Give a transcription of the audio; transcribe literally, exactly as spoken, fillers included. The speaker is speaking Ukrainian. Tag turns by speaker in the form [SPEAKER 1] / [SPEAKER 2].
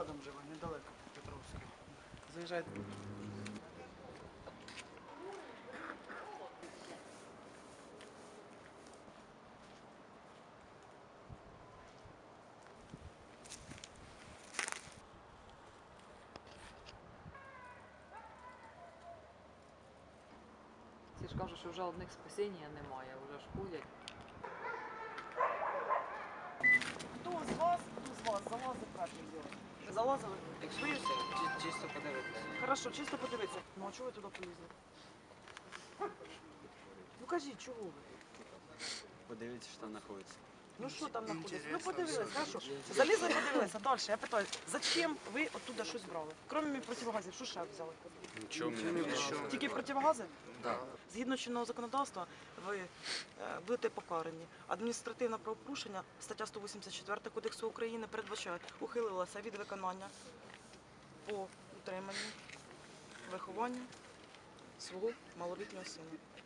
[SPEAKER 1] рядом живе, недалеко, Петровський. Заїжджайте.
[SPEAKER 2] Всі ж кажуть, що вже одних спасіння немає, вже ж ходять.
[SPEAKER 1] Хто з вас, хто з вас залазив правильно робити? Залазили?
[SPEAKER 3] Екскурсія, чи- чисто подивитися.
[SPEAKER 1] Хорошо, чисто подивитися. Ну а чого ви туди полізли? Ну кажіть, чого ви?
[SPEAKER 3] Подивіться, що там знаходиться.
[SPEAKER 1] Ну що там знаходиться? Ну подивилися, хорошо. Залізли, подивилися. Далі, я питаю, зачем ви оттуда щось брали? Крім противогазів, що ще взяли?
[SPEAKER 3] Нічого мені не було.
[SPEAKER 1] Тільки противогази?
[SPEAKER 3] Так.
[SPEAKER 1] Згідно чинного законодавства, ви е, будете покарані. Адміністративне правопорушення, стаття сто вісімдесят чотири Кодексу України передбачає, ухилилася від виконання по утриманню, вихованню свого малолітнього сина.